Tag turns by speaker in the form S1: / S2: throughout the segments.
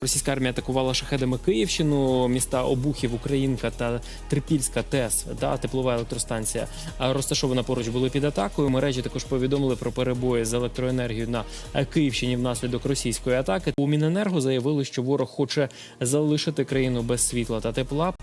S1: Російська армія атакувала шахедами Київщину, міста Обухів, Українка та Трипільська ТЕС, теплова електростанція, розташована поруч, були під атакою. Мережі також повідомили про перебої з електроенергією на Київщині внаслідок російської атаки. У Міненерго заявили, що ворог хоче залишити країну без світла та тепла.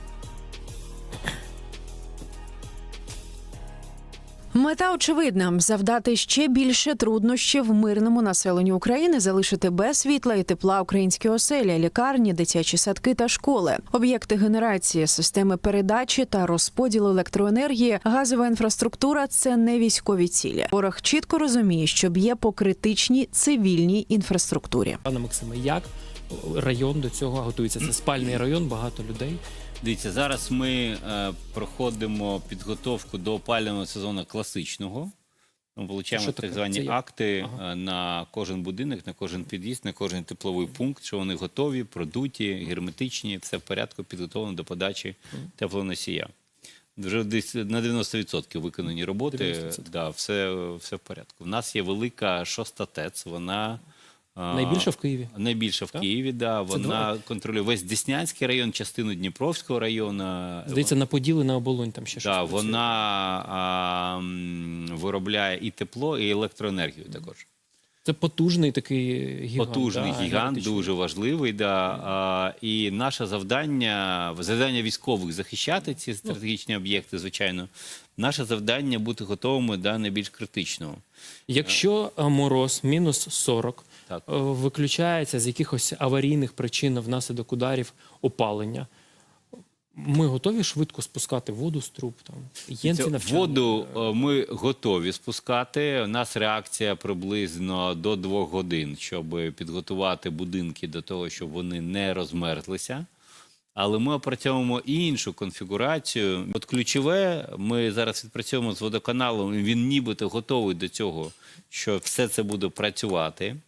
S2: Мета очевидна – завдати ще більше труднощів мирному населенню України, залишити без світла і тепла українські оселі, лікарні, дитячі садки та школи, об'єкти генерації, системи передачі та розподілу електроенергії, газова інфраструктура – це не військові цілі. Ворог чітко розуміє, що б'є по критичній цивільній інфраструктурі.
S1: Пане Максиме, як район до цього готується? Це спальний район, багато людей.
S3: Дивіться, зараз ми проходимо підготовку до опалювального сезону класичного. Ми получаємо так звані акти на кожен будинок, на кожен під'їзд, на кожен тепловий пункт, що вони готові, продуті, герметичні, все в порядку, підготовлено до подачі теплоносія. Вже десь на 90% виконані роботи, 90%. Да, все в порядку. У нас є велика 6-та ТЕЦ, вона...
S1: Найбільше в Києві?
S3: Найбільше в Києві, да. Вона контролює весь Деснянський район, частину Дніпровського району.
S1: Здається, на Поділи, на Оболонь там ще щось.
S3: Да, вона виробляє і тепло, і електроенергію також.
S1: Це потужний такий гігант.
S3: Потужний гігант, дуже важливий. Да. І наше завдання військових захищати ці стратегічні об'єкти, звичайно. Наше завдання бути готовими до найбільш критичного.
S1: Якщо мороз мінус 40,
S3: так,
S1: виключається з якихось аварійних причин внаслідок ударів опалення, ми готові швидко спускати воду з труб?
S3: Воду ми готові спускати. У нас реакція приблизно до 2 годин, щоб підготувати будинки до того, щоб вони не розмерзлися. Але ми опрацьовуємо і іншу конфігурацію. От ключове, ми зараз відпрацьовуємо з водоканалом, він нібито готовий до цього, що все це буде працювати.